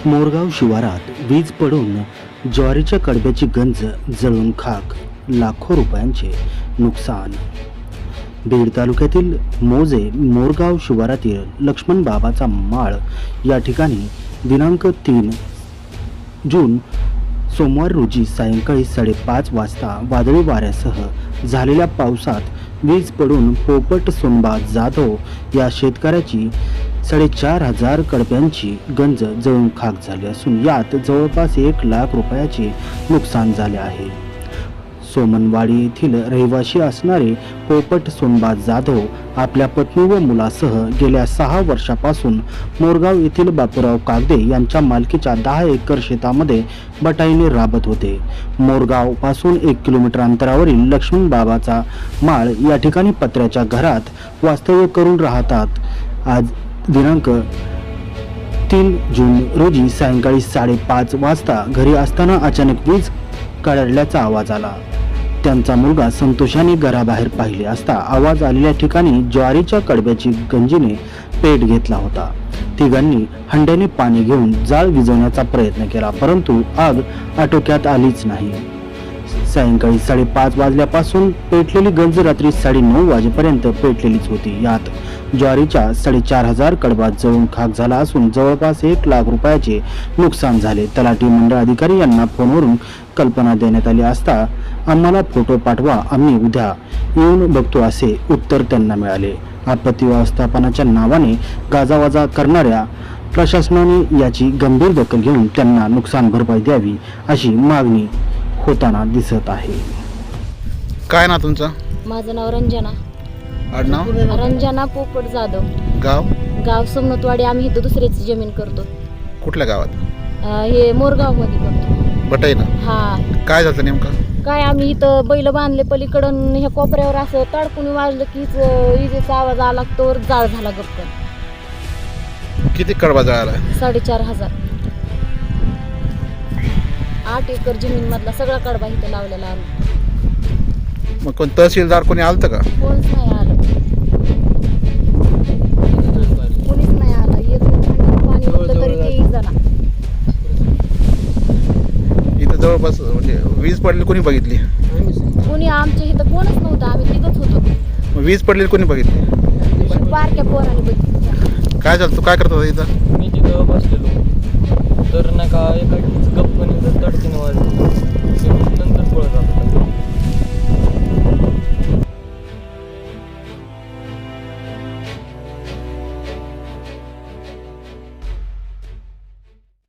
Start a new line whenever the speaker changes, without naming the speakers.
मोरगाव शिवारात वीज पडून ज्वारीच्या कडब्याची गंज जळून खाक, लाखो रुपयांचे नुकसान. बीड तालुक्यातील मोजे मोरगाव शिवारातील लक्ष्मण बाबाचा माळ या ठिकाणी दिनांक 3 जून सोमवार रोजी सायंकाळी 5:30 वाजता वादळी वाऱ्यासह झालेल्या पावसात वीज पडून पोपट सोनबा जाधव या शेतकऱ्याची 4,500 कडब्यांची गंज जळून खाक झाली असून यात जवळपास 1 लाख रुपयाचे नुकसान झाले आहे. सोमनवाडी येथील रहिवासी असणारे पोपट सोनबा जाधव आपल्या पत्नी व मुलासह गेल्या 6 वर्षापासून मोरगाव येथील बापूराव कागदे यांच्या मालकीच्या 10 एकर शेतामध्ये बटाईने राबत होते. मोरगाव पासून 1 किलोमीटर अंतरावरील लक्ष्मण बाबाचा माळ या ठिकाणी पत्र्याच्या घरात वास्तव्य करून राहतात. आज दिनांक 3 जून रोजी सायंकाळी 5:30 वाजता घरी असताना अचानक वीज कडाडल्याचा आवाज आला. त्यांचा मुलगा संतोषाने घराबाहेर पाहिले असता आवाज आलेल्या ठिकाणी ज्वारीच्या कडब्याची गंजीने पेट घेतला होता. तिघांनी हंड्याने पाणी घेऊन जाळ विझवण्याचा प्रयत्न केला, परंतु आग आटोक्यात आलीच नाही. सायंकाळी 5:30 वाजल्यापासून पेटलेली गंज रात्री 9:30 वाजेपर्यंत पेटलेलीच होती. यात ज्वारीच्या 4,500 कडबा जळून खाक झाला असून जवळपास 1 लाख रुपयाचे नुकसान झाले. तलाठी मंडळ अधिकारी यांना फोनवरून कल्पना देण्यात आली असता आम्हाला फोटो पाठवा, आम्ही उद्या येऊन बघतो असे उत्तर त्यांना मिळाले. आपत्ती व्यवस्थापनाच्या नावाने गाजावाजा करणाऱ्या प्रशासनाने याची गंभीर दखल घेऊन त्यांना नुकसान भरपाई द्यावी अशी मागणी होताना दिसत आहे.
काय ना तुमचं?
माझं नाव रंजना.
आडनाव?
रंजना पोपट जाधव. गाव सोमनाथवाडी. आम्ही इथं दुसऱ्याची जमीन करतो.
कुठल्या गावात?
हे मोरगाव मध्ये करतो.
बटाई ना?
हा.
काय झालं नेमकं?
काय आम्ही इथं बैल बांधले पलीकडून ह्या कोपऱ्यावर असं तडकून वाजलं की विजेचा आवाज आला, तोवर जाळ झाला गप्प.
किती कडबा जळाला?
4,500. 8 एकर जमीन मधला सगळा कडबा इथं लावलेला आम्ही.
मग कोण तहसीलदार कोणी आलतं का?
कोणच नाही आलं. कोणीच नाही आलं. एक पाणी होतं तरी ते जण.
इथं जवळपास म्हणजे वीज पडली कोणी बघितली?
कोणी आमच्या इथं कोणच नव्हतं. आम्ही तिथंच होतो.
मग वीज पडलेली कोणी बघितली?
बारक्या पोराने बघितलं.
काय झालं? तू काय करत होता इथं?
मी तिथं बसलेलो तर नाही का एका गप्पने तडकीने वाजली. नंतर पळत आलो.